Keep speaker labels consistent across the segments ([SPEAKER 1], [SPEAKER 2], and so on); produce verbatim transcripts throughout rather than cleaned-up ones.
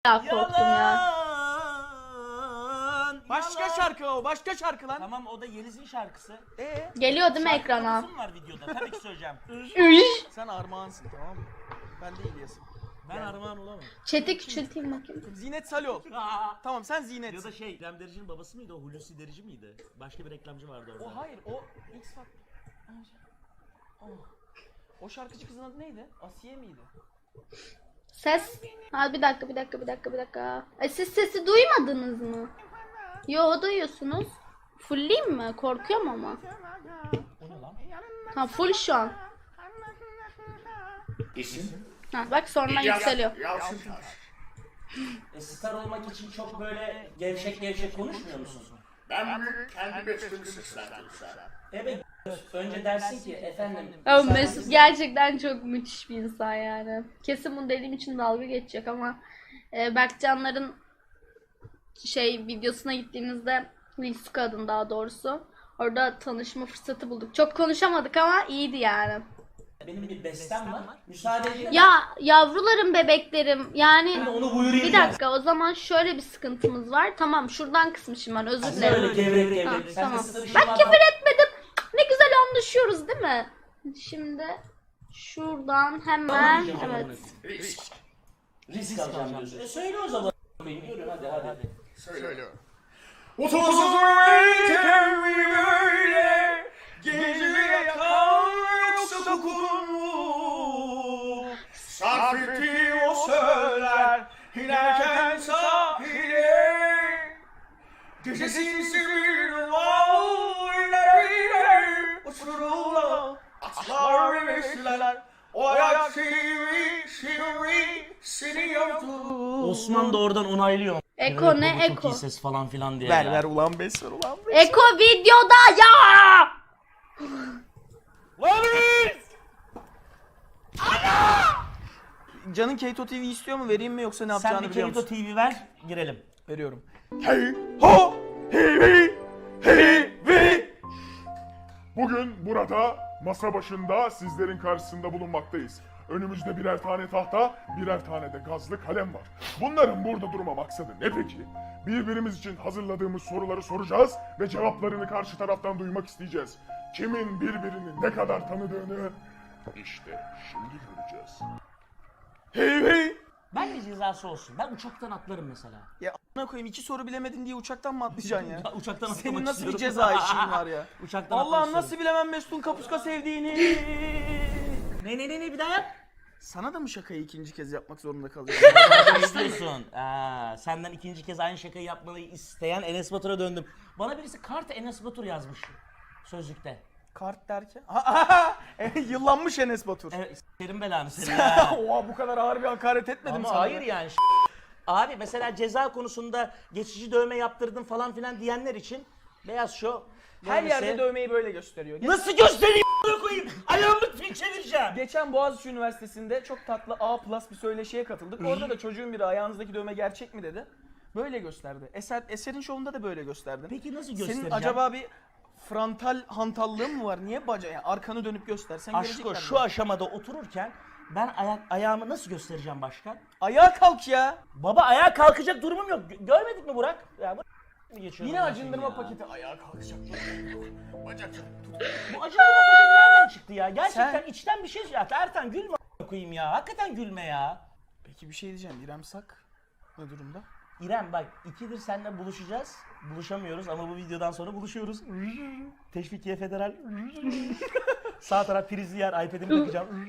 [SPEAKER 1] Ya korktum ya.
[SPEAKER 2] Başka
[SPEAKER 3] Yalan.
[SPEAKER 2] şarkı o, başka şarkı lan.
[SPEAKER 3] Tamam o da Yeliz'in şarkısı.
[SPEAKER 2] Ee?
[SPEAKER 1] Geliyor değil mi
[SPEAKER 3] Şarkı
[SPEAKER 1] ekrana?
[SPEAKER 3] konusu mu var videoda? Tabii ki söyleyeceğim.
[SPEAKER 1] Üş.
[SPEAKER 2] Sen Armağan'sın, tamam mı? Ben de İlyas'ım.
[SPEAKER 3] Ben Armağan olamam.
[SPEAKER 1] Chat'i küçülteyim bakayım.
[SPEAKER 2] Zinet Salih ol. Tamam sen Zinet.
[SPEAKER 3] Ya da şey, İrem Derici'nin babası mıydı o? Hulusi Derici miydi? Başka bir reklamcı vardı orada.
[SPEAKER 2] O hayır, o X Factor. Oh. O şarkıcı kızın adı neydi? Asiye miydi?
[SPEAKER 1] Ses. Ha bir dakika bir dakika bir dakika bir dakika. E siz sesi duymadınız mı? Yo duyuyorsunuz. Fullleyeyim mi? Korkuyorum ama.
[SPEAKER 3] O ne lan?
[SPEAKER 1] Ha full şu an.
[SPEAKER 4] İsim?
[SPEAKER 1] Ha bak sonra yükseliyor.
[SPEAKER 4] Yalçın Taş.
[SPEAKER 3] E, star olmak için çok böyle gevşek gevşek konuşmuyor musun?
[SPEAKER 4] Ben bunu kendi bestemi seslendim sana.
[SPEAKER 3] Evet. Önce dersin ki efendim.
[SPEAKER 1] Ya Mesut gerçekten çok müthiş bir insan yani. Kesin bunu dediğim için dalga geçecek ama e, Berkcanların şey videosuna gittiğimizde Wilsuka adın daha doğrusu. Orada tanışma fırsatı bulduk. Çok konuşamadık ama iyiydi yani.
[SPEAKER 3] Benim bir bestem var. Müsaade edin.
[SPEAKER 1] Ya yavrularım bebeklerim yani
[SPEAKER 3] Onu buyurayım.
[SPEAKER 1] bir dakika o zaman şöyle bir sıkıntımız var. Tamam şuradan kısmışım ben özür
[SPEAKER 3] Sen öyle
[SPEAKER 1] dilerim.
[SPEAKER 3] gevrek
[SPEAKER 1] Ha,
[SPEAKER 3] gevrek. Sen
[SPEAKER 1] tamam.
[SPEAKER 3] de sırf
[SPEAKER 1] Ben
[SPEAKER 3] şuna
[SPEAKER 1] küfür
[SPEAKER 3] bak.
[SPEAKER 1] etmedim. Ne güzel anlaşıyoruz değil mi? Şimdi şuradan hemen evet.
[SPEAKER 4] Risk.
[SPEAKER 3] Risk alacağım diyorsun. E söyle o zaman. Yürü hadi hadi.
[SPEAKER 4] Söylüyorum.
[SPEAKER 2] Otobüsü mi böyle gece yakar yoksa kokun mu? Sarf ettiğim o söyler inerken sahile. Gecesi bir var iner iner uçururlar atlar ve besler. O ayak sivri sivri seni yaptı.
[SPEAKER 3] Osman da oradan onaylıyor.
[SPEAKER 1] Eko
[SPEAKER 3] Evet,
[SPEAKER 1] ne
[SPEAKER 3] baba çok
[SPEAKER 1] Eko?
[SPEAKER 3] iyi ses falan filan diye.
[SPEAKER 2] Ver
[SPEAKER 3] ya.
[SPEAKER 2] ver ulan beş ver ulan beş.
[SPEAKER 1] Eko videoda ya!
[SPEAKER 2] Canın Keto T V istiyor mu? Vereyim mi yoksa ne
[SPEAKER 3] Sen
[SPEAKER 2] yapacağını
[SPEAKER 3] bir
[SPEAKER 2] biliyor
[SPEAKER 3] Kerito
[SPEAKER 2] musun?
[SPEAKER 3] T V ver, girelim.
[SPEAKER 2] Veriyorum. Hey ho hey hey hey hey.
[SPEAKER 5] Bugün burada masa başında sizlerin karşısında bulunmaktayız. Önümüzde birer tane tahta, birer tane de gazlı kalem var. Bunların burada durma maksadı ne peki? Birbirimiz için hazırladığımız soruları soracağız ve cevaplarını karşı taraftan duymak isteyeceğiz. Kimin birbirini ne kadar tanıdığını işte şimdi göreceğiz.
[SPEAKER 2] Hey hey.
[SPEAKER 3] Ben bir cezası olsun. Ben uçaktan atlarım mesela.
[SPEAKER 2] Ya a**ına koyayım iki soru bilemedin diye uçaktan mı atlayacaksın ya?
[SPEAKER 3] Ya uçaktan atlamak
[SPEAKER 2] Senin nasıl bir
[SPEAKER 3] istiyorum.
[SPEAKER 2] ceza işin var ya?
[SPEAKER 3] Uçaktan atlamak
[SPEAKER 2] Allah'ım
[SPEAKER 3] istiyorum.
[SPEAKER 2] nasıl bilemem Mesut'un kapuska sevdiğini.
[SPEAKER 3] Ne ne ne ne bir daha yap.
[SPEAKER 2] Sana da mı şakayı ikinci kez yapmak zorunda kalıyorsun?
[SPEAKER 3] Ne diyorsun? Aa, senden ikinci kez aynı şakayı yapmayı isteyen Enes Batur'a döndüm. Bana birisi kart Enes Batur yazmış sözlükte.
[SPEAKER 2] Kart derken? Aha, yıllanmış Enes Batur.
[SPEAKER 3] Evet, serin belanı senin ya.
[SPEAKER 2] Oha bu kadar ağır bir hakaret etmedim
[SPEAKER 3] Ama
[SPEAKER 2] sana.
[SPEAKER 3] hayır yani. Abi mesela ceza konusunda geçici dövme yaptırdım falan filan diyenler için Beyaz Show
[SPEAKER 2] Her
[SPEAKER 3] dövmesi-
[SPEAKER 2] yerde dövmeyi böyle gösteriyor. Ge-
[SPEAKER 3] Nasıl göstereyim a**ına koyayım? Ayağımı fil çevireceğim.
[SPEAKER 2] Geçen Boğaziçi Üniversitesi'nde çok tatlı A plus bir söyleşiye katıldık. Orada da çocuğun biri ayağınızdaki dövme gerçek mi dedi. Böyle gösterdi. Eser, Eser'in şovunda da böyle gösterdin.
[SPEAKER 3] Peki nasıl
[SPEAKER 2] Senin
[SPEAKER 3] göstereceğim?
[SPEAKER 2] acaba bir frontal hantallığın mı var? Niye baca yani arkanı dönüp göstersen
[SPEAKER 3] Aşko
[SPEAKER 2] görecekler
[SPEAKER 3] şu
[SPEAKER 2] mi?
[SPEAKER 3] aşamada otururken ben ayak ayağımı nasıl göstereceğim başka?
[SPEAKER 2] Ayağa kalk ya.
[SPEAKER 3] Baba ayağa kalkacak durumum yok. Gö- Görmedik mi Burak? Ya bu geçiyor.
[SPEAKER 2] Yine
[SPEAKER 3] bundan
[SPEAKER 2] acındırma
[SPEAKER 3] sonra ya.
[SPEAKER 2] paketi. Ayağa kalkacak. Bacak.
[SPEAKER 3] Bu acındırma paketi nereden çıktı ya? Gerçekten
[SPEAKER 2] Sen-
[SPEAKER 3] içten bir şey ya. Ertan gülme a**ına koyayım ya. Hakikaten gülme ya.
[SPEAKER 2] Peki bir şey diyeceğim. İrem Sak ne durumda?
[SPEAKER 3] İrem bak ikidir seninle buluşacağız. Buluşamıyoruz ama bu videodan sonra buluşuyoruz. Teşvikiye Federal. Sağ taraf prizli yer. iPad'imi takacağım.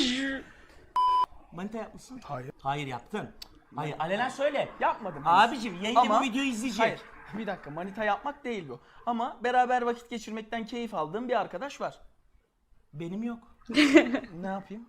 [SPEAKER 3] Manita yapmışsın.
[SPEAKER 2] Hayır.
[SPEAKER 3] Hayır yaptın. Hayır alenen söyle.
[SPEAKER 2] Yapmadım. henüz.
[SPEAKER 3] Abicim yayında
[SPEAKER 2] Ama-
[SPEAKER 3] bu videoyu izleyecek.
[SPEAKER 2] Hayır. Bir dakika manita yapmak değil bu. Ama beraber vakit geçirmekten keyif aldığım bir arkadaş var.
[SPEAKER 3] Benim yok.
[SPEAKER 2] Ne yapayım?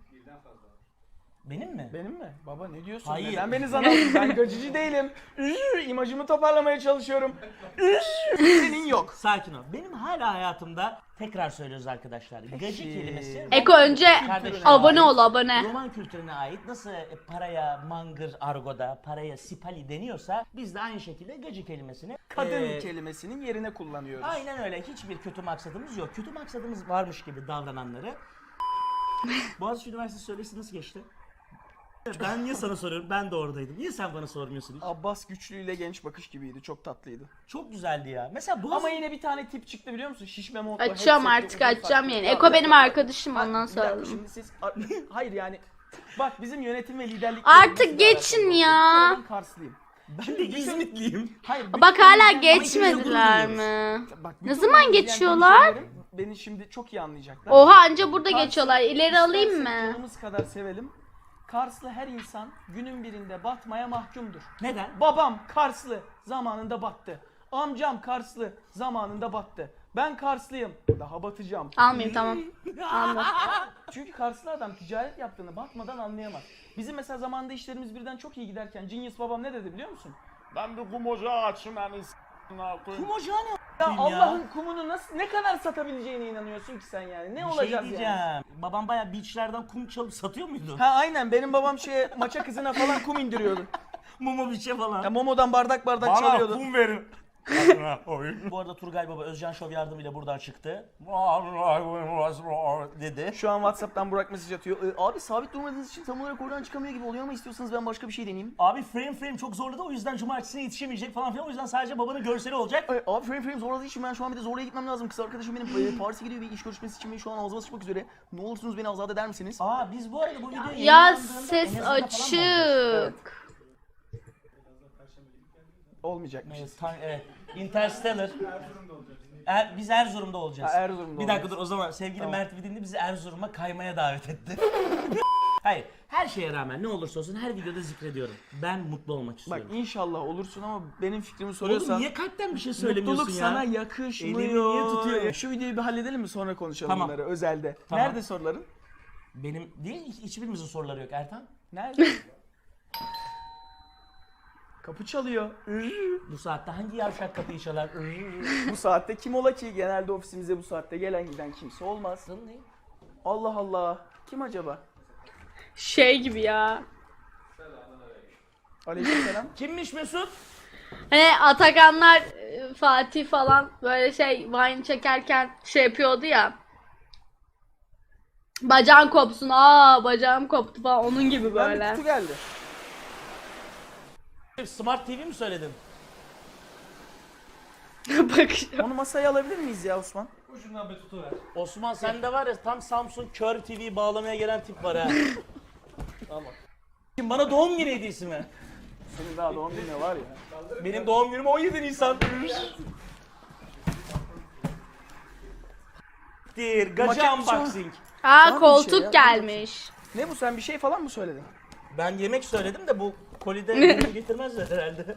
[SPEAKER 3] Benim mi?
[SPEAKER 2] Benim mi? Baba ne diyorsun?
[SPEAKER 3] Hayır.
[SPEAKER 2] Neden beni zan aldın? Ben gacıcı değilim. Üş, imajımı toparlamaya çalışıyorum. Üş, senin yok.
[SPEAKER 3] Sakin ol. Benim hala hayatımda tekrar söylüyoruz arkadaşlar. Gacı
[SPEAKER 2] Peki.
[SPEAKER 3] kelimesi.
[SPEAKER 1] Eko önce
[SPEAKER 3] Kardeşim.
[SPEAKER 1] abone ol abone.
[SPEAKER 3] Roman kültürüne ait nasıl e, paraya mangır argoda, paraya sipali deniyorsa biz de aynı şekilde gacı kelimesini
[SPEAKER 2] Kadın
[SPEAKER 3] e,
[SPEAKER 2] kelimesinin yerine kullanıyoruz.
[SPEAKER 3] aynen öyle. Hiçbir kötü maksadımız yok. Kötü maksadımız varmış gibi davrananları. Boğaziçi Üniversitesi söyleşisi nasıl geçti? Ben niye sana soruyorum? Ben de oradaydım. Niye sen bana sormuyorsun hiç?
[SPEAKER 2] Abbas Güçlü ile Genç Bakış gibiydi. Çok tatlıydı.
[SPEAKER 3] Çok güzeldi ya. Mesela bu
[SPEAKER 2] Ama yine bir tane tip çıktı biliyor musun? Şişme montla.
[SPEAKER 1] Açacağım
[SPEAKER 2] headsetli,
[SPEAKER 1] artık
[SPEAKER 2] uzun
[SPEAKER 1] açacağım
[SPEAKER 2] saçlı.
[SPEAKER 1] yani.
[SPEAKER 2] Ya
[SPEAKER 1] Eko
[SPEAKER 2] bir
[SPEAKER 1] benim
[SPEAKER 2] dakika.
[SPEAKER 1] arkadaşım
[SPEAKER 2] Ha,
[SPEAKER 1] ondan
[SPEAKER 2] bir dakika,
[SPEAKER 1] sonra.
[SPEAKER 2] şimdi siz hayır yani bak bizim yönetim ve liderlik
[SPEAKER 1] Artık geçin ya.
[SPEAKER 2] Ben Karslıyım.
[SPEAKER 3] Ben de İzmitliyim.
[SPEAKER 2] Hayır. bütün
[SPEAKER 1] Bak hala
[SPEAKER 2] izleyen-
[SPEAKER 1] geçmediler
[SPEAKER 3] gurur
[SPEAKER 1] mi?
[SPEAKER 2] Bak,
[SPEAKER 1] Ne
[SPEAKER 2] bütün
[SPEAKER 1] zaman
[SPEAKER 2] izleyen
[SPEAKER 1] geçiyorlar?
[SPEAKER 2] hemşehrilerim Beni şimdi çok iyi anlayacaklar.
[SPEAKER 1] Oha anca burada
[SPEAKER 2] Kars'ı
[SPEAKER 1] geçiyorlar. İleri alayım
[SPEAKER 2] istersek
[SPEAKER 1] mı?
[SPEAKER 2] canımız kadar sevelim. Karslı her insan günün birinde batmaya mahkumdur.
[SPEAKER 3] Neden?
[SPEAKER 2] Babam Karslı zamanında battı. Amcam Karslı zamanında battı. Ben Karslıyım. Daha batacağım.
[SPEAKER 1] Almayayım tamam. Alma.
[SPEAKER 2] Çünkü Karslı adam ticaret yaptığını batmadan anlayamaz. Bizim mesela zamanında işlerimiz birden çok iyi giderken Genius babam ne dedi biliyor musun?
[SPEAKER 5] Ben bir kum ocağı açayım yani s***ına koyayım.
[SPEAKER 3] Kum ocağı ne
[SPEAKER 2] Ya
[SPEAKER 3] a**ayım
[SPEAKER 2] Allah'ın kumunu nasıl ne kadar satabileceğine inanıyorsun ki sen yani? Ne
[SPEAKER 3] Bir
[SPEAKER 2] olacağız
[SPEAKER 3] şey diyeceğim.
[SPEAKER 2] yani?
[SPEAKER 3] Babam bayağı beachlerden kum çalıp satıyor muydu?
[SPEAKER 2] Ha aynen benim babam şeye maça kızına falan kum indiriyordu.
[SPEAKER 3] Mumu biçe falan.
[SPEAKER 2] Ya Momo'dan bardak bardak çalıyordu.
[SPEAKER 3] verin. Bu arada Turgay Baba Özcan Şov yardımıyla buradan çıktı. Dedi.
[SPEAKER 2] Şu an WhatsApp'tan Burak mesaj atıyor. "Ee, abi sabit durmadığınız için tam olarak oradan çıkamıyor gibi oluyor ama istiyorsanız ben başka bir şey deneyeyim.
[SPEAKER 3] Abi frame frame çok zorladı o yüzden cumartesine yetişemeyecek falan filan o yüzden sadece babanın görseli olacak.
[SPEAKER 2] Ay, abi frame frame zorladığı için ben şu an bir de zorlaya gitmem lazım. Kız arkadaşım benim e, Paris'e gidiyor bir iş görüşmesi için ve şu an ağzıma sıçmak üzere. Ne olursunuz beni azat eder misiniz?
[SPEAKER 3] Aa biz bu arada bu videoyu
[SPEAKER 1] Ya
[SPEAKER 3] yayınlandığında
[SPEAKER 1] ses
[SPEAKER 3] en azından falan mı olacağız?
[SPEAKER 1] açık.
[SPEAKER 2] Olmayacakmış.
[SPEAKER 3] Evet, tan- evet. Interstellar. Er, biz Erzurum'da olacağız.
[SPEAKER 2] Ha, Erzurum'da
[SPEAKER 3] Bir dakika
[SPEAKER 2] olacağız.
[SPEAKER 3] dur o zaman sevgili
[SPEAKER 2] Tamam.
[SPEAKER 3] Mert Vidinli bizi Erzurum'a kaymaya davet etti. Hayır her şeye rağmen ne olursa olsun her videoda zikrediyorum. Ben mutlu olmak
[SPEAKER 2] Bak
[SPEAKER 3] istiyorum.
[SPEAKER 2] inşallah olursun ama benim fikrimi
[SPEAKER 3] Oğlum
[SPEAKER 2] soruyorsan
[SPEAKER 3] niye kalpten bir şey söylemiyorsun
[SPEAKER 2] mutluluk
[SPEAKER 3] ya?
[SPEAKER 2] sana yakışmıyor.
[SPEAKER 3] Elini niye tutuyor?
[SPEAKER 2] Şu videoyu bir halledelim mi sonra konuşalım
[SPEAKER 3] Tamam.
[SPEAKER 2] bunları özelde.
[SPEAKER 3] Tamam.
[SPEAKER 2] Nerede soruların?
[SPEAKER 3] Benim değil hiç- hiçbirimizin soruları yok Ertan.
[SPEAKER 2] Nerede? Kapı çalıyor.
[SPEAKER 3] Bu saatte hangi yavşak kapıyı çalar?
[SPEAKER 2] Bu saatte kim ola ki? Genelde ofisimize bu saatte gelen giden kimse olmaz. Allah Allah. Kim acaba?
[SPEAKER 1] Şey gibi ya.
[SPEAKER 2] Aleykümselam.
[SPEAKER 3] Kimmiş Mesut?
[SPEAKER 1] Hani Atakanlar e, Fatih falan böyle şey Vine çekerken şey yapıyordu ya. Bacağın kopsun. Aa bacağım koptu falan onun gibi
[SPEAKER 2] Ben bir
[SPEAKER 1] böyle.
[SPEAKER 2] kutu geldi.
[SPEAKER 3] Smart T V mi söyledin?
[SPEAKER 1] Bak
[SPEAKER 2] Onu masaya alabilir miyiz ya Osman?
[SPEAKER 3] Osman sende var ya tam Samsung Kör T V bağlamaya gelen tip var ha. Tamam. Kim bana doğum günü hediyesi mi?
[SPEAKER 2] Senin daha doğum günü var ya.
[SPEAKER 3] Benim doğum günüm on yedi Nisan. Dir, gacı
[SPEAKER 2] Maket-
[SPEAKER 3] unboxing.
[SPEAKER 1] Aa
[SPEAKER 2] bir şey
[SPEAKER 1] koltuk
[SPEAKER 2] ya,
[SPEAKER 1] gelmiş.
[SPEAKER 2] Ne bu sen bir şey falan mı söyledin?
[SPEAKER 3] Ben yemek söyledim de bu kolide ürünü getirmezler herhalde.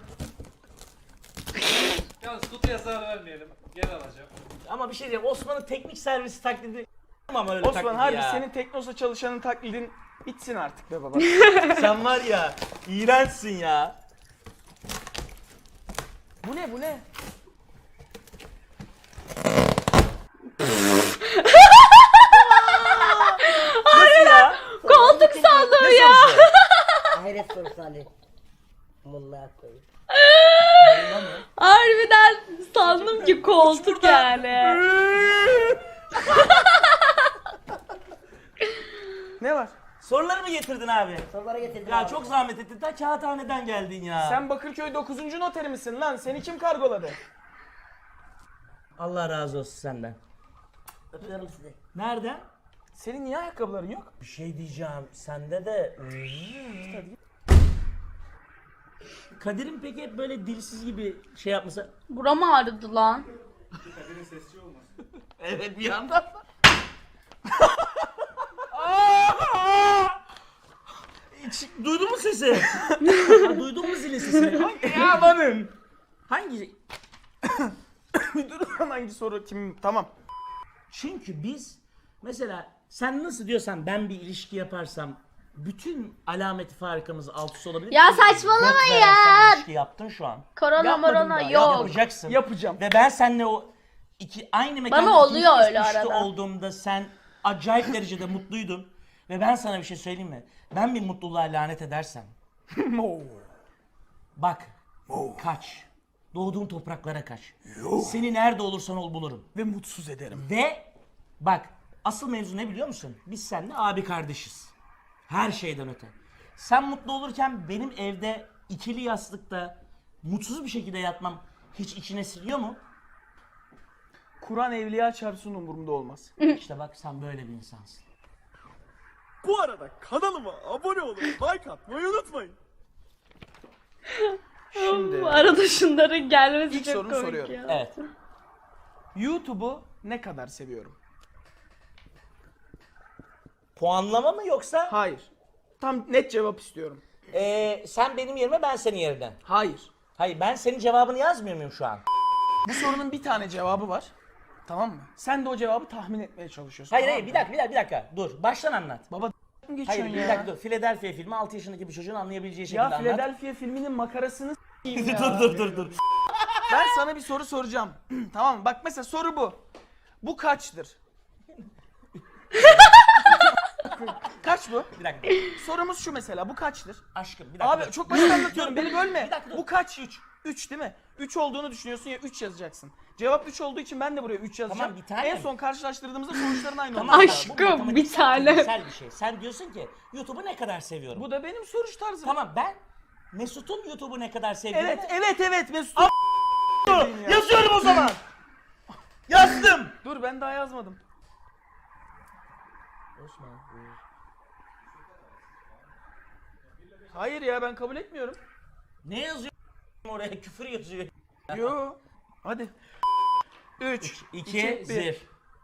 [SPEAKER 6] Yalnız kutuya zarar vermeyelim. Gel alacağım.
[SPEAKER 3] Ama bir şey diyeyim Osman'ın teknik servisi taklidi ama öyle
[SPEAKER 2] Osman
[SPEAKER 3] taklidi
[SPEAKER 2] harbi
[SPEAKER 3] ya.
[SPEAKER 2] senin Teknosa çalışanın taklidin bitsin artık be baba.
[SPEAKER 3] Sen var ya iğrençsin ya.
[SPEAKER 2] Bu ne bu ne?
[SPEAKER 3] Nasıl ya?
[SPEAKER 1] Koltuk sandım
[SPEAKER 3] Ne
[SPEAKER 1] ya.
[SPEAKER 3] sorusu?
[SPEAKER 7] Hayret sorusu Ali. Mulla koyayım.
[SPEAKER 1] Harbiden sandım ki koltuk yani.
[SPEAKER 2] Ne var?
[SPEAKER 3] Soruları mı getirdin abi?
[SPEAKER 7] Sorulara getirdim
[SPEAKER 3] Ya
[SPEAKER 7] abi.
[SPEAKER 3] çok zahmet ettin. Ta kağıthaneden geldin ya.
[SPEAKER 2] Sen Bakırköy dokuzuncu noteri misin lan? Seni kim kargoladı?
[SPEAKER 3] Allah razı olsun senden.
[SPEAKER 7] Öpüyorum sizi.
[SPEAKER 3] Nereden?
[SPEAKER 2] Senin niye ayakkabıların yok?
[SPEAKER 3] Bir şey diyeceğim. Sende de... Kadir'in peki hep böyle dilsiz gibi şey yapması...
[SPEAKER 1] Buram ağrıdı lan.
[SPEAKER 3] Evet bir yandan. Hiç duydun mu sesi? Ha, duydun mu zilin sesini? Hangi yamanın? Hangi?
[SPEAKER 2] Bir dur lan hangi soru kim? Tamam.
[SPEAKER 3] Çünkü biz mesela sen nasıl diyorsan ben bir ilişki yaparsam bütün alameti farikamız alt üst olabilir.
[SPEAKER 1] Ya
[SPEAKER 3] ki
[SPEAKER 1] saçmalama
[SPEAKER 3] göt veren
[SPEAKER 1] ya.
[SPEAKER 3] sen ilişki yaptın şu an.
[SPEAKER 1] Korona
[SPEAKER 2] Yapmadım
[SPEAKER 1] morona
[SPEAKER 2] daha,
[SPEAKER 1] yok.
[SPEAKER 3] Yapacaksın.
[SPEAKER 2] Yapacağım.
[SPEAKER 3] Ve ben seninle o iki aynı mekanda
[SPEAKER 1] Bana oluyor
[SPEAKER 3] ikinci kez
[SPEAKER 1] öyle
[SPEAKER 3] üçlü
[SPEAKER 1] arada.
[SPEAKER 3] olduğumda sen acayip derecede mutluydun. Ve ben sana bir şey söyleyeyim mi? Ben bir mutluluğa lanet edersem bak kaç. Doğduğun topraklara kaç. Seni nerede olursan ol bulurum.
[SPEAKER 2] Ve mutsuz ederim.
[SPEAKER 3] Ve bak asıl mevzu ne biliyor musun? Biz seninle abi kardeşiz. Her şeyden öte. Sen mutlu olurken benim evde ikili yastıkta mutsuz bir şekilde yatmam hiç içine siliyor mu?
[SPEAKER 2] Kur'an evliya çarpsın umurumda olmaz.
[SPEAKER 3] İşte bak sen böyle bir insansın.
[SPEAKER 8] Bu arada kanalıma abone olup like atmayı unutmayın.
[SPEAKER 2] Şimdi
[SPEAKER 1] Bu arada şunların gelmesi
[SPEAKER 2] İlk
[SPEAKER 1] çok
[SPEAKER 2] sorunu
[SPEAKER 1] komik
[SPEAKER 2] soruyorum.
[SPEAKER 1] ya.
[SPEAKER 3] Evet.
[SPEAKER 2] YouTube'u ne kadar seviyorum?
[SPEAKER 3] Puanlama mı yoksa?
[SPEAKER 2] Hayır. Tam net cevap istiyorum.
[SPEAKER 3] Ee, sen benim yerime ben senin yerine.
[SPEAKER 2] Hayır.
[SPEAKER 3] Hayır ben senin cevabını yazmıyor muyum şu an?
[SPEAKER 2] Bu sorunun bir tane cevabı var. Tamam mı? Sen de o cevabı tahmin etmeye çalışıyorsun.
[SPEAKER 3] Hayır
[SPEAKER 2] tamam
[SPEAKER 3] hayır
[SPEAKER 2] mı?
[SPEAKER 3] bir dakika bir dakika bir dakika. Dur baştan anlat.
[SPEAKER 2] Baba mı
[SPEAKER 3] Hayır
[SPEAKER 2] geçiyorsun
[SPEAKER 3] bir
[SPEAKER 2] ya?
[SPEAKER 3] dakika dur. Philadelphia filmi altı yaşındaki bir çocuğun anlayabileceği şekilde
[SPEAKER 2] Ya
[SPEAKER 3] anlat.
[SPEAKER 2] Philadelphia filminin makarasını s**eyim ya.
[SPEAKER 3] dur dur dur dur.
[SPEAKER 2] Ben sana bir soru soracağım. Tamam mı? Bak mesela soru bu. Bu kaçtır? Kaç bu?
[SPEAKER 3] Bir dakika.
[SPEAKER 2] Sorumuz şu mesela. Bu kaçtır?
[SPEAKER 3] Aşkım bir dakika.
[SPEAKER 2] Abi
[SPEAKER 3] dur.
[SPEAKER 2] çok basit anlatıyorum. Beni bölme.
[SPEAKER 3] Bir dakika dur.
[SPEAKER 2] Bu kaç? üç. üç değil mi? üç olduğunu düşünüyorsun ya üç yazacaksın. Cevap üç olduğu için ben de buraya üç yazacağım.
[SPEAKER 3] Tamam, bir tane.
[SPEAKER 2] En son karşılaştırdığımızda sonuçların aynı
[SPEAKER 3] Tamam,
[SPEAKER 2] olacak.
[SPEAKER 1] Aşkım,
[SPEAKER 3] bu matematiksel,
[SPEAKER 1] bir tane.
[SPEAKER 3] fiziksel bir şey. Sen diyorsun ki YouTube'u ne kadar seviyorum.
[SPEAKER 2] Bu da benim soruş tarzım.
[SPEAKER 3] Tamam ben Mesut'un YouTube'u ne kadar sevdiğini
[SPEAKER 2] Evet, evet, evet Mesut.
[SPEAKER 3] yazıyorum o zaman. Yazdım.
[SPEAKER 2] Dur ben daha yazmadım. Hayır ya ben kabul etmiyorum.
[SPEAKER 3] Ne yazıyor oraya? Küfür yazıyor.
[SPEAKER 2] Yo. Hadi. üç,
[SPEAKER 3] İki, zir.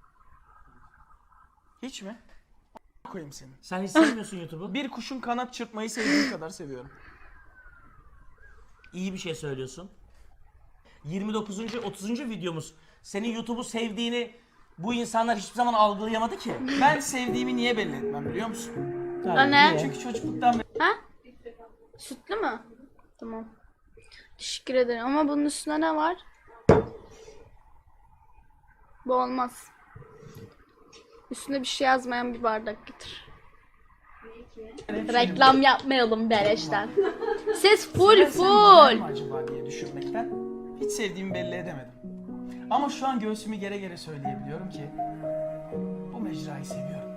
[SPEAKER 2] Hiç mi? Koyayım seni.
[SPEAKER 3] Sen hiç sevmiyorsun YouTube'u.
[SPEAKER 2] Bir kuşun kanat çırpmayı sevdiğim kadar seviyorum.
[SPEAKER 3] İyi bir şey söylüyorsun. yirmi dokuzuncu otuzuncu videomuz. Senin YouTube'u sevdiğini bu insanlar hiçbir zaman algılayamadı ki.
[SPEAKER 2] Ben sevdiğimi niye belli etmem biliyor musun?
[SPEAKER 1] O ne?
[SPEAKER 2] Çünkü çocukluktan beri
[SPEAKER 1] Ha? Sütlü mü? Tamam. Teşekkür ederim ama bunun üstüne ne var? Bu olmaz. Üstüne bir şey yazmayan bir bardak getir. Reklam yapmayalım beleşten. Ses full
[SPEAKER 2] Ben sen
[SPEAKER 1] full.
[SPEAKER 2] güzel mi acaba diye düşünmekten hiç sevdiğimi belli edemedim. Ama şu an göğsümü gere gere söyleyebiliyorum ki bu mecrayı seviyorum.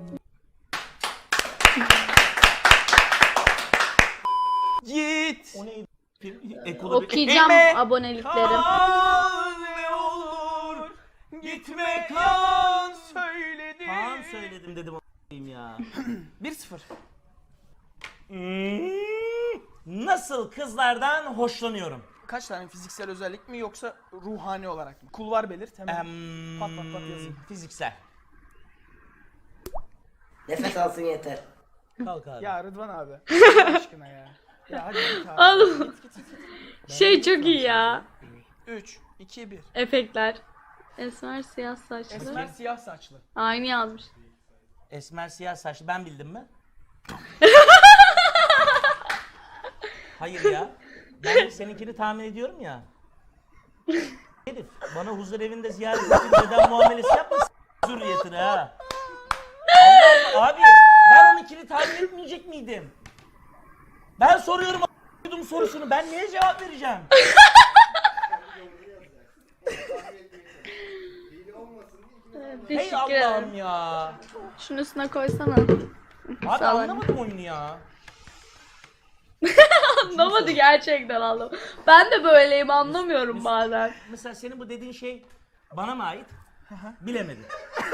[SPEAKER 2] Git.
[SPEAKER 3] O neydi? Ekolu bir...
[SPEAKER 1] Okuyacağım
[SPEAKER 2] Eme-
[SPEAKER 1] aboneliklerim.
[SPEAKER 2] Kal ne olur gitme kan söyledim.
[SPEAKER 3] Kaan söyledim dedim o**ayım ya.
[SPEAKER 2] bir sıfır.
[SPEAKER 3] Hmm, Nasıl kızlardan hoşlanıyorum?
[SPEAKER 2] Kaç tane fiziksel özellik mi yoksa ruhani olarak mı? Kulvar belirt hemen.
[SPEAKER 3] Em,
[SPEAKER 2] Pat pat pat yazayım.
[SPEAKER 3] Fiziksel.
[SPEAKER 7] Nefes alsın yeter.
[SPEAKER 3] Kalk abi.
[SPEAKER 2] Ya Rıdvan abi. Allah aşkına ya. Ya hadi git abi.
[SPEAKER 1] Oğlum. Şey çok iyi ya.
[SPEAKER 2] üç, iki, bir.
[SPEAKER 1] Efektler. Esmer siyah saçlı.
[SPEAKER 2] Esmer siyah saçlı.
[SPEAKER 1] Aynı yazmış.
[SPEAKER 3] Esmer siyah saçlı ben bildim mi? Hayır ya. Ben seninkini tahmin ediyorum ya. Herif bana huzur evinde ziyaret edip neden muamelesi yapmasın zürriyetine ha. Allah Allah, abi ben onunkini tahmin etmeyecek miydim? Ben soruyorum a**ydum sorusunu ben neye cevap vereceğim? Hey
[SPEAKER 1] Teşekkür
[SPEAKER 3] Allah'ım
[SPEAKER 1] ederim.
[SPEAKER 3] ya.
[SPEAKER 1] Şunun üstüne koysana.
[SPEAKER 3] Abi
[SPEAKER 1] Sağ ol.
[SPEAKER 3] anlamadım oyunu ya.
[SPEAKER 1] Anlamadı gerçekten anlamadım. Ben de böyleyim anlamıyorum bazen.
[SPEAKER 3] Mesela senin bu dediğin şey bana mı ait? Bilemedim.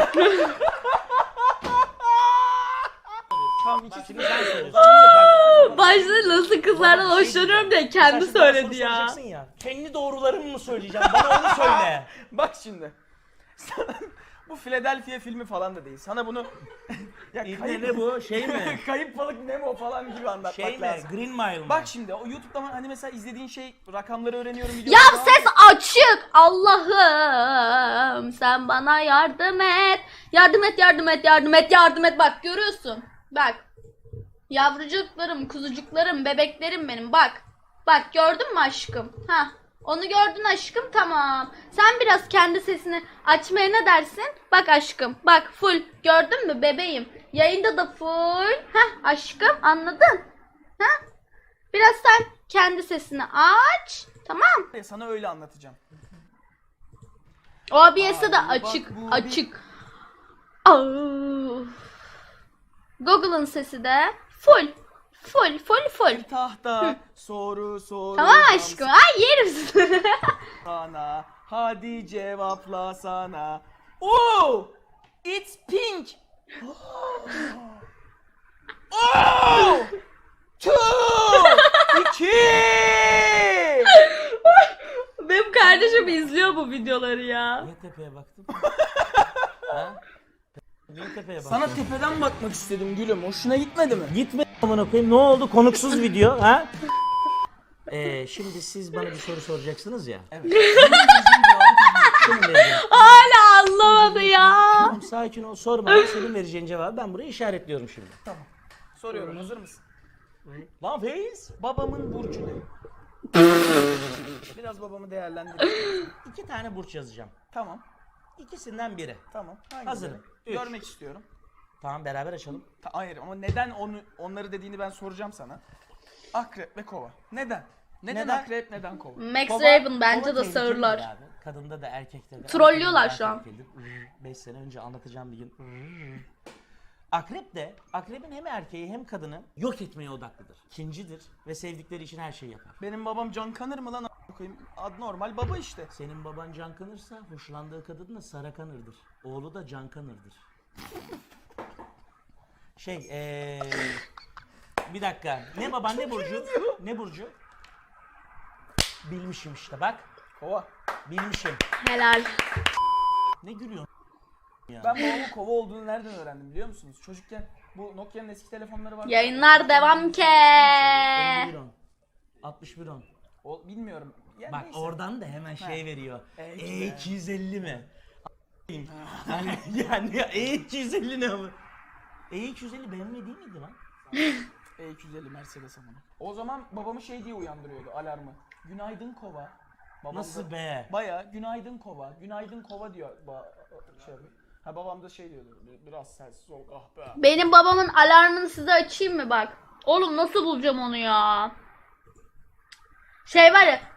[SPEAKER 2] Tamam iki
[SPEAKER 3] Şimdi
[SPEAKER 2] sıfır.
[SPEAKER 3] sen söylüyorsun.
[SPEAKER 1] Başta nasıl kızlardan hoşlanıyorum diye kendi
[SPEAKER 3] Sen şimdi bana
[SPEAKER 1] söyledi
[SPEAKER 3] soru
[SPEAKER 1] ya.
[SPEAKER 3] soracaksın ya. Kendi doğrularımı mı söyleyeceğim? Bana onu söyle.
[SPEAKER 2] Bak şimdi. Sana, bu Philadelphia filmi falan da değil. Sana bunu ya
[SPEAKER 3] İbne ne bu? Şey mi?
[SPEAKER 2] Kayıp balık Nemo falan gibi anlatmak
[SPEAKER 3] Şey mi?
[SPEAKER 2] lazım.
[SPEAKER 3] Green Mile mı?
[SPEAKER 2] Bak şimdi o YouTube'dan hani mesela izlediğin şey rakamları öğreniyorum
[SPEAKER 1] Ya
[SPEAKER 2] videoları falan
[SPEAKER 1] ses açık. Allah'ım sen bana yardım et. Yardım et, yardım et, yardım et, yardım et. Bak görüyorsun. Bak. Yavrucuklarım, kuzucuklarım, bebeklerim benim. Bak. Bak gördün mü aşkım? Ha. Onu gördün aşkım tamam. Sen biraz kendi sesini açmaya ne dersin? Bak aşkım. Bak full. Gördün mü bebeğim? Yayında da full. Heh aşkım anladın? Ha? Biraz sen kendi sesini aç. Tamam.
[SPEAKER 2] Ya sana öyle anlatacağım.
[SPEAKER 1] O B S'de de
[SPEAKER 2] Ay,
[SPEAKER 1] açık.
[SPEAKER 2] bak bu
[SPEAKER 1] Açık. Au. Google'ın sesi de full. Full full full.
[SPEAKER 2] Tahta soru soru.
[SPEAKER 1] Tamam aşkım. Ay yerim.
[SPEAKER 2] Sana. Hadi cevapla sana. Oh! It's pink. Oh! Two! İki!
[SPEAKER 1] Benim kardeşim izliyor bu videoları ya.
[SPEAKER 3] Niye tepeye baktın? ha? Niye tepeye baktın?
[SPEAKER 2] Sana tepeden bakmak istedim gülüm. Hoşuna gitmedi mi?
[SPEAKER 3] Gitme amına koyayım. Ne oldu? Konuksuz video ha? Ee, şimdi siz bana bir soru soracaksınız ya.
[SPEAKER 2] Evet.
[SPEAKER 3] Senin vereceğin.
[SPEAKER 1] Hala anlamadı ya.
[SPEAKER 3] Tamam sakin ol. Sorma. Senin vereceğin cevabı ben buraya işaretliyorum şimdi.
[SPEAKER 2] Tamam. Soruyorum. Hazır mısın?
[SPEAKER 3] Lan Feyiz.
[SPEAKER 2] Babamın burcu ne? Biraz babamı değerlendir.
[SPEAKER 3] İki tane burç yazacağım.
[SPEAKER 2] Tamam.
[SPEAKER 3] İkisinden biri.
[SPEAKER 2] Tamam. Hangileri?
[SPEAKER 3] Hazırım. Üç.
[SPEAKER 2] Görmek istiyorum.
[SPEAKER 3] Tamam beraber açalım.
[SPEAKER 2] Ta- hayır ama neden onu onları dediğini ben soracağım sana. Akrep ve kova. Neden? Neden,
[SPEAKER 3] Neden?
[SPEAKER 2] akrep, neden kova?
[SPEAKER 1] Max
[SPEAKER 3] Kova-
[SPEAKER 1] Raven bence
[SPEAKER 3] kova
[SPEAKER 1] de
[SPEAKER 3] tehlikelidir
[SPEAKER 1] sağırlar.
[SPEAKER 3] abi. Kadında da erkekte de.
[SPEAKER 1] Trollüyorlar
[SPEAKER 3] erkekte de
[SPEAKER 1] şu an.
[SPEAKER 3] tehlikelidir. beş sene önce anlatacağım bir gün. Akrep de, akrebin hem erkeği hem kadını yok etmeye odaklıdır. İkincidir ve sevdikleri için her şeyi yapar.
[SPEAKER 2] Benim babam Can Kanır mı lan a**ına koyayım? Ad normal baba işte.
[SPEAKER 3] Senin baban Can Kanırsa hoşlandığı kadın da Sara Kanır'dır. Oğlu da Can Kanır'dır. Şey eee... Bir dakika. Ne baban ne burcu? Ne burcu? Bilmişim işte bak.
[SPEAKER 2] Kova.
[SPEAKER 3] Bilmişim.
[SPEAKER 1] Helal.
[SPEAKER 3] Ne gülüyorsun?
[SPEAKER 2] Ben babamın kova olduğunu nereden öğrendim biliyor musunuz? Çocukken bu Nokia'nın eski telefonları vardı.
[SPEAKER 1] Yayınlar devam ke.
[SPEAKER 3] elli bir on. altmış bir on.
[SPEAKER 2] O, bilmiyorum. Yani
[SPEAKER 3] Bak
[SPEAKER 2] neyse.
[SPEAKER 3] oradan da hemen şey veriyor.
[SPEAKER 2] E
[SPEAKER 3] E
[SPEAKER 2] iki
[SPEAKER 3] iki yüz elli mi? yani yani E iki yüz elli ne ama? E iki yüz elli benimle değil miydi lan?
[SPEAKER 2] E iki yüz elli Mercedes ama. O zaman babamı şey diye uyandırıyordu alarmı. Günaydın kova. Babam
[SPEAKER 3] Nasıl
[SPEAKER 2] da
[SPEAKER 3] be?
[SPEAKER 2] Baya günaydın kova, günaydın kova diyor. Ba şey yapıyor. Ha babam da şey diyordu. Biraz sensiz ol ah be.
[SPEAKER 1] Benim babamın alarmını size açayım mı bak. Oğlum nasıl bulacağım onu ya? Şey var ya.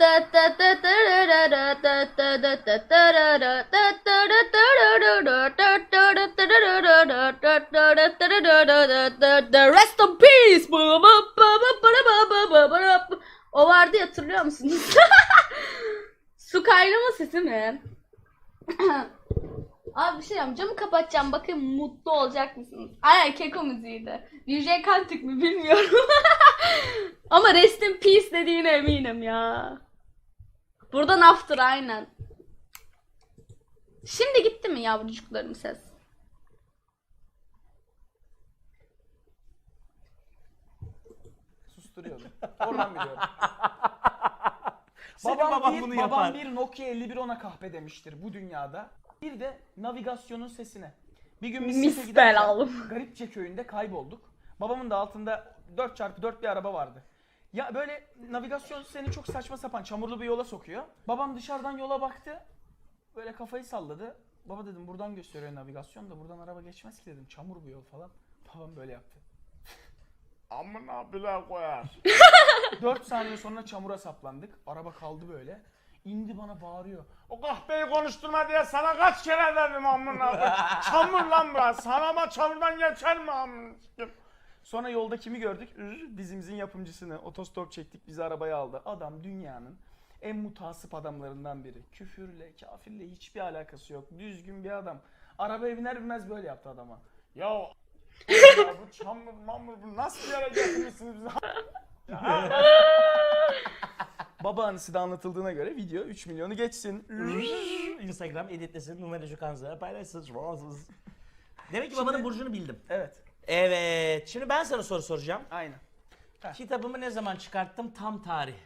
[SPEAKER 1] The rest in peace. O vardı ya, hatırlıyor musunuz? Su kaynama sesi mi? Abi bir şey diyeceğim. Camı kapatacağım. Bakın mutlu olacak mısınız? Aynen Keko müziğiydi. D J Kantik mi bilmiyorum. Ama rest in peace dediğine eminim ya. Buradan after aynen. Şimdi gitti mi yavrucuklarım ses?
[SPEAKER 2] Susturuyordu. Oradan biliyorum.
[SPEAKER 3] Senin
[SPEAKER 2] babam
[SPEAKER 3] baban
[SPEAKER 2] bir,
[SPEAKER 3] bunu
[SPEAKER 2] babam
[SPEAKER 3] yapar.
[SPEAKER 2] bir Nokia elli bir ona kahpe demiştir bu dünyada. Bir de navigasyonun sesine. Bir gün biz
[SPEAKER 1] Mis
[SPEAKER 2] site giderken
[SPEAKER 1] belalım.
[SPEAKER 2] Garipçe köyünde kaybolduk. Babamın da altında dört çarpı dört bir araba vardı. Ya böyle navigasyon seni çok saçma sapan çamurlu bir yola sokuyor. Babam dışarıdan yola baktı. Böyle kafayı salladı. Baba dedim buradan gösteriyor navigasyon da buradan araba geçmez ki dedim. Çamur bu yol falan. Babam böyle yaptı.
[SPEAKER 5] Amına bile koyar.
[SPEAKER 2] dört saniye sonra çamura saplandık. Araba kaldı böyle. İndi bana bağırıyor.
[SPEAKER 5] O kahpeyi konuşturma diye sana kaç kere dedim amına koyayım. Çamur lan burası. Sana ama çamurdan geçer mi amına?
[SPEAKER 2] Sonra yolda kimi gördük? Ür, dizimizin yapımcısını. Otostop çektik, bizi arabaya aldı. Adam dünyanın en mutasip adamlarından biri. Küfürle, kafirle hiçbir alakası yok. Düzgün bir adam. Arabaya biner binmez böyle yaptı adama.
[SPEAKER 5] Ya ya bu çamur mamur bu nasıl bir yere getirmişsiniz bizi?
[SPEAKER 2] Baba anısı da anlatıldığına göre video üç milyonu geçsin.
[SPEAKER 3] Instagram editlesin, numara şu kanzara paylaşsın. Demek ki babanın burcunu bildim.
[SPEAKER 2] Evet,
[SPEAKER 3] Evet. Şimdi ben sana soru soracağım.
[SPEAKER 2] aynen.
[SPEAKER 3] Kitabımı ne zaman çıkarttım? Tam tarih.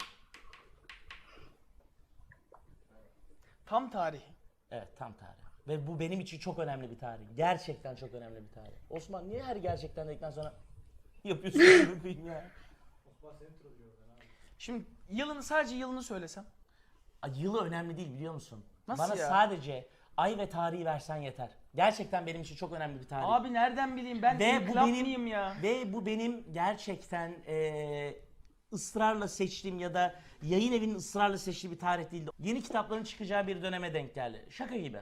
[SPEAKER 2] Tam tarih.
[SPEAKER 3] Evet, tam tarih. Ve bu benim için çok önemli bir tarih. Gerçekten çok önemli bir tarih. Osman niye her gerçekten dedikten sonra yapıyorsun bunu ya?
[SPEAKER 2] Şimdi yılını sadece yılını söylesem.
[SPEAKER 3] Ay, yılı önemli değil biliyor musun?
[SPEAKER 2] Nasıl
[SPEAKER 3] Bana
[SPEAKER 2] ya?
[SPEAKER 3] sadece ay ve tarihi versen yeter. Gerçekten benim için çok önemli bir tarih.
[SPEAKER 2] Abi nereden bileyim ben
[SPEAKER 3] Ve bu
[SPEAKER 2] inkılap
[SPEAKER 3] benim-
[SPEAKER 2] mıyım ya?
[SPEAKER 3] Ve bu benim gerçekten eee, ısrarla seçtiğim ya da yayın evinin ısrarla seçtiği bir tarih değildi. Yeni kitapların çıkacağı bir döneme denk geldi. Şaka gibi.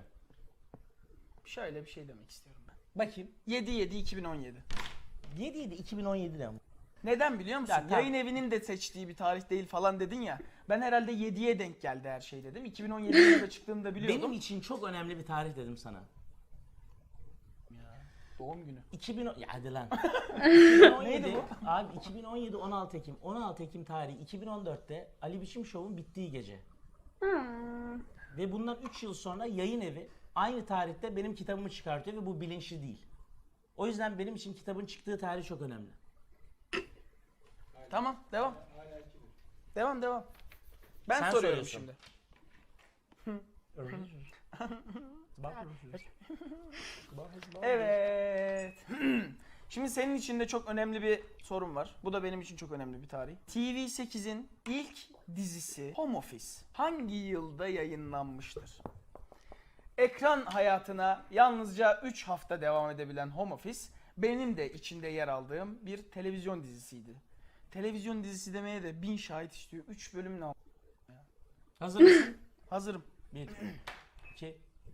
[SPEAKER 2] Şöyle bir şey demek istiyorum ben.
[SPEAKER 3] Bakayım.
[SPEAKER 2] yedi yedi iki bin on yedi.
[SPEAKER 3] yedi yedi iki bin on yedi ne ama?
[SPEAKER 2] Neden biliyor musun?
[SPEAKER 3] Ya, tamam.
[SPEAKER 2] Yayın evinin de seçtiği bir tarih değil falan dedin ya. Ben herhalde yediye denk geldi her şey dedim. iki bin on yedi yılında çıktığını da biliyordum.
[SPEAKER 3] Benim için çok önemli bir tarih dedim sana.
[SPEAKER 2] Doğum günü.
[SPEAKER 3] iki bin on ya hadi lan. iki bin on yedi,
[SPEAKER 2] Neydi
[SPEAKER 3] abi iki bin on yedi on altı Ekim. on altı Ekim tarihi iki bin on dörtte Ali Biçim Show'un bittiği gece.
[SPEAKER 1] Hmm.
[SPEAKER 3] Ve bundan üç yıl sonra yayın evi aynı tarihte benim kitabımı çıkartıyor ve bu bilinçli değil. O yüzden benim için kitabın çıktığı tarih çok önemli.
[SPEAKER 2] Tamam, devam. Devam, devam. Ben
[SPEAKER 3] Sen
[SPEAKER 2] soruyorum
[SPEAKER 3] soruyorsun.
[SPEAKER 2] şimdi.
[SPEAKER 3] Bak.
[SPEAKER 2] Evet. Şimdi senin için de çok önemli bir sorun var. Bu da benim için çok önemli bir tarih. T V sekizin ilk dizisi Home Office hangi yılda yayınlanmıştır? Ekran hayatına yalnızca üç hafta devam edebilen Home Office benim de içinde yer aldığım bir televizyon dizisiydi. Televizyon dizisi demeye de bin şahit istiyor. üç bölüm ne yap-
[SPEAKER 3] Hazır mısın?
[SPEAKER 2] Hazırım.
[SPEAKER 3] bir, iki,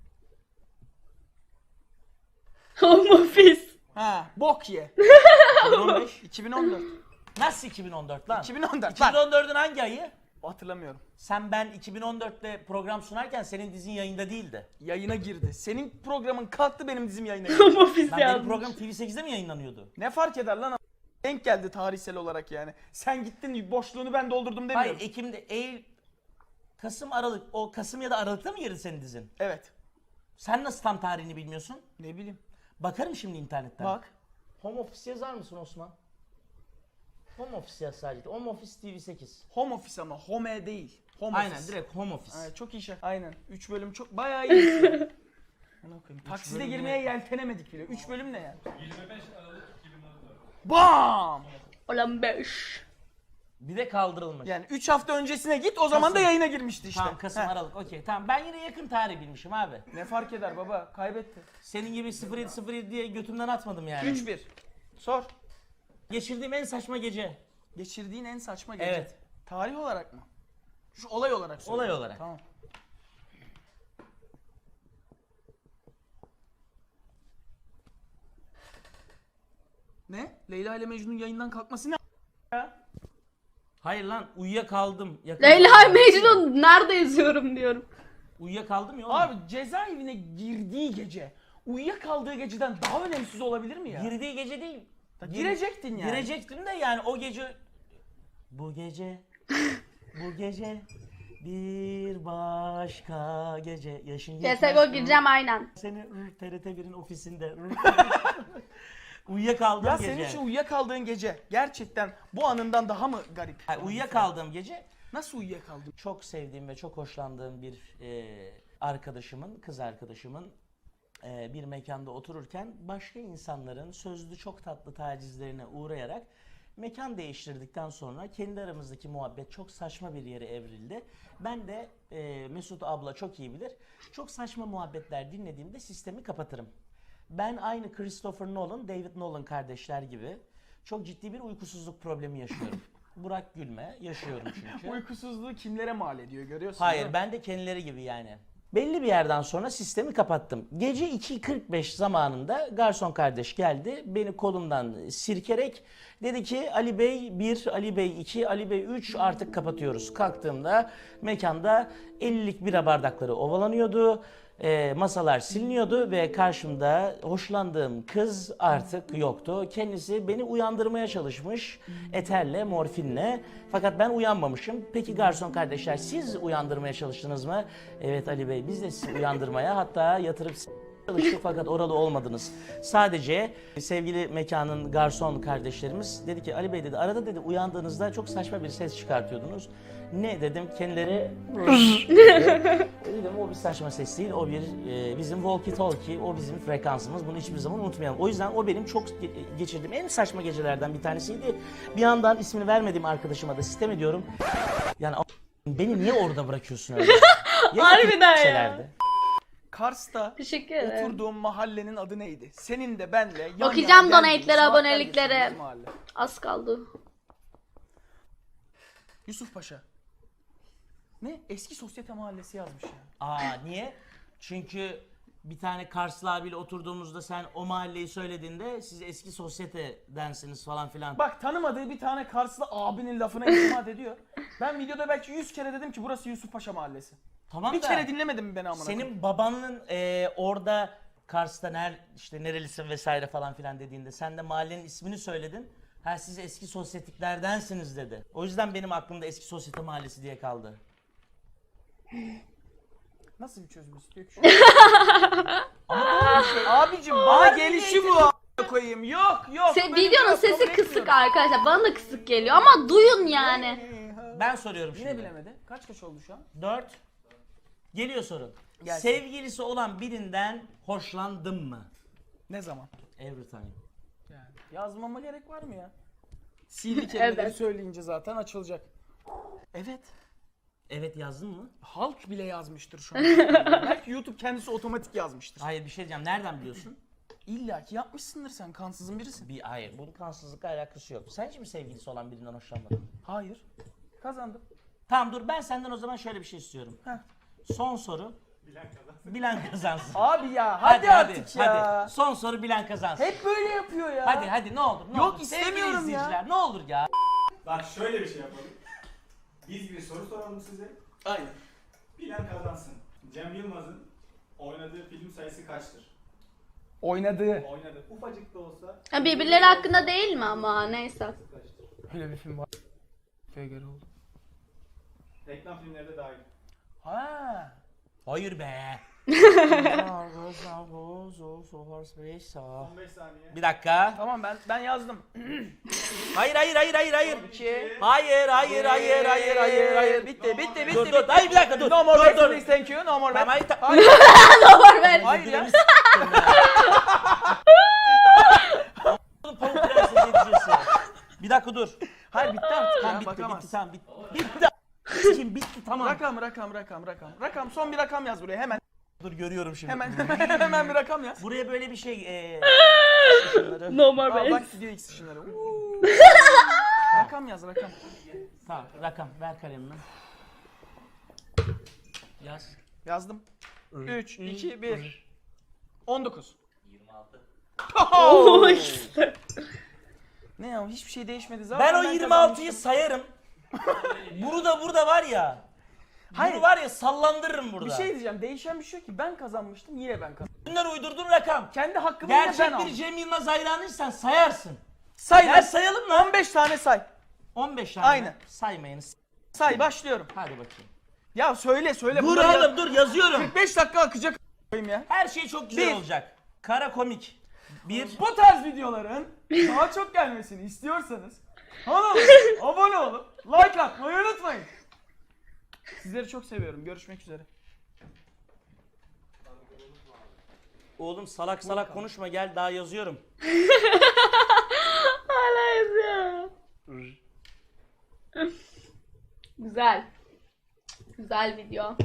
[SPEAKER 1] Home office.
[SPEAKER 2] Ha, bok ye.
[SPEAKER 3] iki bin on beş.
[SPEAKER 2] iki bin on dört.
[SPEAKER 3] Nasıl iki bin on dört lan?
[SPEAKER 2] iki bin on dört.
[SPEAKER 3] iki bin on dördün hangi ayı?
[SPEAKER 2] Hatırlamıyorum.
[SPEAKER 3] Sen ben iki bin on dörtte program sunarken senin dizin yayında değildi.
[SPEAKER 2] Yayına girdi. Senin programın kalktı, benim dizim yayına girdi.
[SPEAKER 1] Home office
[SPEAKER 3] Lan benim
[SPEAKER 1] yazmış.
[SPEAKER 3] program T V sekizde mi yayınlanıyordu?
[SPEAKER 2] Ne fark eder lan? Denk geldi tarihsel olarak yani. Sen gittin, boşluğunu ben doldurdum demiyorum.
[SPEAKER 3] Hayır, Ekim'de, Eylül, Kasım, Aralık. O Kasım ya da Aralık'ta mı girdi senin dizin?
[SPEAKER 2] Evet.
[SPEAKER 3] Sen nasıl tam tarihini bilmiyorsun?
[SPEAKER 2] Ne bileyim.
[SPEAKER 3] Bakarım şimdi internetten.
[SPEAKER 2] Bak.
[SPEAKER 3] Home Office yazar mısın Osman? Home Office yaz sadece. Home Office T V sekiz.
[SPEAKER 2] Home Office ama home değil. Home
[SPEAKER 3] Aynen,
[SPEAKER 2] Office.
[SPEAKER 3] direkt Home Office.
[SPEAKER 2] Evet, çok iyi şey. Aynen. üç bölüm çok bayağı iyi. Ana koyayım. Takside
[SPEAKER 3] bölüm
[SPEAKER 2] girmeye
[SPEAKER 3] ne?
[SPEAKER 2] yeltenemedik bile. üç bölüm ne ya?
[SPEAKER 6] yirmi beş Aralık iki bin on dört.
[SPEAKER 2] Bam!
[SPEAKER 1] Olan beş.
[SPEAKER 3] Bir de kaldırılmış.
[SPEAKER 2] Yani üç hafta öncesine git, o zaman da
[SPEAKER 3] Kasım.
[SPEAKER 2] yayına girmişti işte.
[SPEAKER 3] Tamam, Kasım,
[SPEAKER 2] Heh.
[SPEAKER 3] Aralık. Okey, tamam. Ben yine yakın tarih bilmişim abi.
[SPEAKER 2] Ne fark eder baba? Kaybetti.
[SPEAKER 3] Senin gibi sıfır yedi sıfır yedi diye götümden atmadım yani.
[SPEAKER 2] üç bir. Sor.
[SPEAKER 3] Geçirdiğim en saçma gece.
[SPEAKER 2] Geçirdiğin en saçma gece.
[SPEAKER 3] Evet.
[SPEAKER 2] Tarih olarak mı? Şu olay olarak söyle.
[SPEAKER 3] Olay olarak.
[SPEAKER 2] Tamam. Ne? Leyla ile Mecnun yayından kalkması ne ya?
[SPEAKER 3] Hayır lan, uyuyakaldım. Yakın
[SPEAKER 1] Leyla
[SPEAKER 3] zamanda-
[SPEAKER 1] Mecnun nerede yazıyorum diyorum.
[SPEAKER 3] Uyuyakaldım ya oğlum.
[SPEAKER 2] Abi cezaevine girdiği gece, uyuyakaldığı geceden daha önemsiz olabilir mi ya?
[SPEAKER 3] Girdiği gece değil.
[SPEAKER 2] Da girecektin yani.
[SPEAKER 3] Girecektim de yani o gece... Bu gece, bu gece bir başka gece yaşın
[SPEAKER 1] C S G O gireceğim aynen.
[SPEAKER 3] Seni ır, T R T birin ofisinde ır, uyuyakaldığım
[SPEAKER 2] Ya
[SPEAKER 3] gece.
[SPEAKER 2] senin için uyuyakaldığın gece gerçekten bu anından daha mı garip?
[SPEAKER 3] Hayır, uyuyakaldığım gece
[SPEAKER 2] Nasıl uyuyakaldın?
[SPEAKER 3] çok sevdiğim ve çok hoşlandığım bir e, arkadaşımın, kız arkadaşımın e, bir mekanda otururken başka insanların sözlü çok tatlı tacizlerine uğrayarak mekan değiştirdikten sonra kendi aramızdaki muhabbet çok saçma bir yere evrildi. Ben de e, Mesut abla çok iyi bilir. Çok saçma muhabbetler dinlediğimde sistemi kapatırım. Ben aynı Christopher Nolan, David Nolan kardeşler gibi çok ciddi bir uykusuzluk problemi yaşıyorum. Burak gülme, yaşıyorum çünkü.
[SPEAKER 2] Uykusuzluğu kimlere mal ediyor görüyorsun
[SPEAKER 3] Hayır,
[SPEAKER 2] değil mi?
[SPEAKER 3] ben de kendileri gibi yani. Belli bir yerden sonra sistemi kapattım. Gece iki kırk beş zamanında garson kardeş geldi. Beni kolumdan sirkerek dedi ki Ali Bey bir, Ali Bey iki, Ali Bey üç artık kapatıyoruz. Kalktığımda mekanda ellilik bira bardakları ovalanıyordu. E, masalar siliniyordu ve karşımda hoşlandığım kız artık yoktu. Kendisi beni uyandırmaya çalışmış eterle, morfinle. Fakat ben uyanmamışım. Peki garson kardeşler siz uyandırmaya çalıştınız mı? Evet Ali Bey, biz de sizi uyandırmaya, hatta yatırıp s- çalıştık fakat oralı olmadınız. Sadece sevgili mekanın garson kardeşlerimiz dedi ki Ali Bey dedi, arada dedi uyandığınızda çok saçma bir ses çıkartıyordunuz. Ne dedim, kendileri dedim o bir saçma ses değil, o bir e, bizim walkie talkie, o bizim frekansımız, bunu hiçbir zaman unutmayalım. O yüzden o benim çok ge- geçirdiğim en saçma gecelerden bir tanesiydi. Bir yandan ismini vermediğim arkadaşıma da sitem ediyorum. Yani a- beni niye orada bırakıyorsun öyle? Ya
[SPEAKER 1] Harbiden ya.
[SPEAKER 3] gitselerdi.
[SPEAKER 2] Kars'ta
[SPEAKER 1] Teşekkür ederim.
[SPEAKER 2] oturduğum mahallenin adı neydi? Senin de benle yan
[SPEAKER 1] Okuyacağım
[SPEAKER 2] yana geldiğimiz,
[SPEAKER 1] donate'leri,
[SPEAKER 2] saatler
[SPEAKER 1] abonelikleri.
[SPEAKER 2] geçirdiğimiz mahalle.
[SPEAKER 1] Az kaldı.
[SPEAKER 2] Yusuf Paşa. Ne? Eski sosyete mahallesi yazmış ya.
[SPEAKER 3] Aa niye? Çünkü bir tane Karslı abiyle oturduğumuzda sen o mahalleyi söylediğinde siz eski sosyetedensiniz falan filan.
[SPEAKER 2] Bak tanımadığı bir tane Karslı abinin lafına itimat ediyor. Ben videoda belki yüz kere dedim ki burası Yusuf Paşa Mahallesi.
[SPEAKER 3] Tamam
[SPEAKER 2] Bir
[SPEAKER 3] da
[SPEAKER 2] kere dinlemedin mi beni amına koyayım?
[SPEAKER 3] senin babanın e, orada Kars'ta ner, işte nerelisin vesaire falan filan dediğinde sen de mahallenin ismini söyledin. Ha siz eski sosyetiklerdensiniz dedi. O yüzden benim aklımda eski sosyete mahallesi diye kaldı.
[SPEAKER 2] Nasıl bir çözüm istiyor ki şu an? Ama doğru bir şey. Abicim bana gelişi bu a**a koyayım. Yok yok.
[SPEAKER 1] Se-
[SPEAKER 2] benim
[SPEAKER 1] videonun
[SPEAKER 2] yok,
[SPEAKER 1] sesi
[SPEAKER 2] kabul
[SPEAKER 1] kısık
[SPEAKER 2] etmiyorum.
[SPEAKER 1] arkadaşlar. Bana da kısık geliyor ama duyun yani.
[SPEAKER 3] Ben soruyorum şimdi.
[SPEAKER 2] Yine bilemedi. Kaç kaç oldu şu an?
[SPEAKER 3] Dört. Geliyor sorun.
[SPEAKER 2] Gelsin.
[SPEAKER 3] Sevgilisi olan birinden hoşlandın mı?
[SPEAKER 2] Ne zaman?
[SPEAKER 3] Every time.
[SPEAKER 2] Yani yazmama gerek var mı ya? Sihirli kelimeleri
[SPEAKER 1] Evet.
[SPEAKER 2] söyleyince zaten açılacak. Evet.
[SPEAKER 3] Evet yazdın mı?
[SPEAKER 2] Halk bile yazmıştır şu an. Belki YouTube kendisi otomatik yazmıştır.
[SPEAKER 3] Hayır bir şey diyeceğim. Nereden biliyorsun?
[SPEAKER 2] İlla ki yapmışsındır sen. Kansızın birisin.
[SPEAKER 3] Bir hayır. Bunun kansızlıkla alakası yok. Sen hiç mi sevgilisi olan birinden hoşlanmadın?
[SPEAKER 2] Hayır. Kazandım.
[SPEAKER 3] Tamam dur ben senden o zaman şöyle bir şey istiyorum.
[SPEAKER 2] Heh.
[SPEAKER 3] Son soru. Bilen kazansın.
[SPEAKER 2] Abi ya hadi, artık ya.
[SPEAKER 3] Hadi. Son soru bilen kazansın.
[SPEAKER 2] Hep böyle yapıyor ya.
[SPEAKER 3] Hadi hadi ne olur ne
[SPEAKER 2] Yok,
[SPEAKER 3] olur.
[SPEAKER 2] istemiyorum
[SPEAKER 3] Sevgili
[SPEAKER 2] ya.
[SPEAKER 3] izleyiciler, ne olur ya.
[SPEAKER 6] Bak şöyle bir şey yapalım. Biz bir soru soralım size.
[SPEAKER 2] Aynen.
[SPEAKER 6] Bilen kazansın. Cem Yılmaz'ın oynadığı film sayısı kaçtır?
[SPEAKER 2] Oynadığı.
[SPEAKER 6] Oynadı. Ufacık da olsa
[SPEAKER 1] Ha, birbirleri hakkında değil mi ama neyse.
[SPEAKER 6] kaçtır?
[SPEAKER 2] Öyle bir film var. Köye göre oldu.
[SPEAKER 6] Reklam filmleri de dahil.
[SPEAKER 2] Ha.
[SPEAKER 3] Hayır be.
[SPEAKER 6] on beş saniye.
[SPEAKER 3] Bir dakika.
[SPEAKER 2] Tamam ben ben yazdım.
[SPEAKER 3] Hayır hayır hayır hayır hayır.
[SPEAKER 2] İki.
[SPEAKER 3] Hayır hayır hayır hayır hayır hayır.
[SPEAKER 2] Bitti bitti bitti.
[SPEAKER 3] Dur
[SPEAKER 2] bitti.
[SPEAKER 3] dur. Hayır bir dakika dur.
[SPEAKER 2] No more
[SPEAKER 3] dur
[SPEAKER 2] bets,
[SPEAKER 3] dur.
[SPEAKER 2] please, thank you. No more
[SPEAKER 3] Tamam,
[SPEAKER 2] bets.
[SPEAKER 3] hayır, ta-
[SPEAKER 2] Hayır.
[SPEAKER 1] Doğru ben.
[SPEAKER 2] Hayır ya.
[SPEAKER 3] Oğlum Pamuk Prenses edeceksin. Bir dakika dur.
[SPEAKER 2] Hayır bitti artık
[SPEAKER 3] Tamam
[SPEAKER 2] ya.
[SPEAKER 3] bitti
[SPEAKER 2] Bakamaz.
[SPEAKER 3] bitti tamam bitti. Bitti. Kim bitti tamam.
[SPEAKER 2] Rakam rakam rakam rakam. Rakam son bir rakam yaz buraya hemen.
[SPEAKER 3] Dur görüyorum şimdi.
[SPEAKER 2] Hemen hemen hemen bir rakam yaz.
[SPEAKER 3] Buraya böyle bir şey eee şunları.
[SPEAKER 1] No more
[SPEAKER 2] Aa,
[SPEAKER 1] bets.
[SPEAKER 2] bak gidiyor X ışınları. Uuu. Rakam yaz rakam.
[SPEAKER 3] Tamam rakam ver kalemini. Yaz.
[SPEAKER 2] Yazdım. üç, iki, bir. on dokuz.
[SPEAKER 3] yirmi altı.
[SPEAKER 1] Oo işte.
[SPEAKER 2] Ne ya hiçbir şey değişmedi zaten.
[SPEAKER 3] Ben o yirmi altıyı sayarım. Bunu da burada var ya.
[SPEAKER 2] Hayır.
[SPEAKER 3] Bunu var ya sallandırırım burada.
[SPEAKER 2] Bir şey diyeceğim. Değişen bir şey yok ki. Ben kazanmıştım. Yine ben kazandım.
[SPEAKER 3] Bunlar uydurduğun rakam.
[SPEAKER 2] Kendi hakkımı yine ben
[SPEAKER 3] Gerçek
[SPEAKER 2] aldım.
[SPEAKER 3] bir Cem Yılmaz hayranıysan sayarsın.
[SPEAKER 2] Say
[SPEAKER 3] Gel
[SPEAKER 2] lan.
[SPEAKER 3] sayalım lan.
[SPEAKER 2] on beş tane say.
[SPEAKER 3] on beş tane.
[SPEAKER 2] Aynen.
[SPEAKER 3] Saymayınız.
[SPEAKER 2] Say başlıyorum.
[SPEAKER 3] Hadi bakayım.
[SPEAKER 2] Ya söyle söyle.
[SPEAKER 3] Dur
[SPEAKER 2] Bunları
[SPEAKER 3] oğlum dur yazıyorum.
[SPEAKER 2] kırk beş dakika akacak a**ayım ya.
[SPEAKER 3] Her şey çok güzel
[SPEAKER 2] Bir.
[SPEAKER 3] olacak. Kara komik. Bir.
[SPEAKER 2] Bu tarz videoların daha çok gelmesini istiyorsanız kanala abone olup like atmayı unutmayın. Sizleri çok seviyorum. Görüşmek üzere.
[SPEAKER 3] Oğlum salak salak konuşma gel daha yazıyorum.
[SPEAKER 1] Hala yazıyor. Güzel. Güzel video.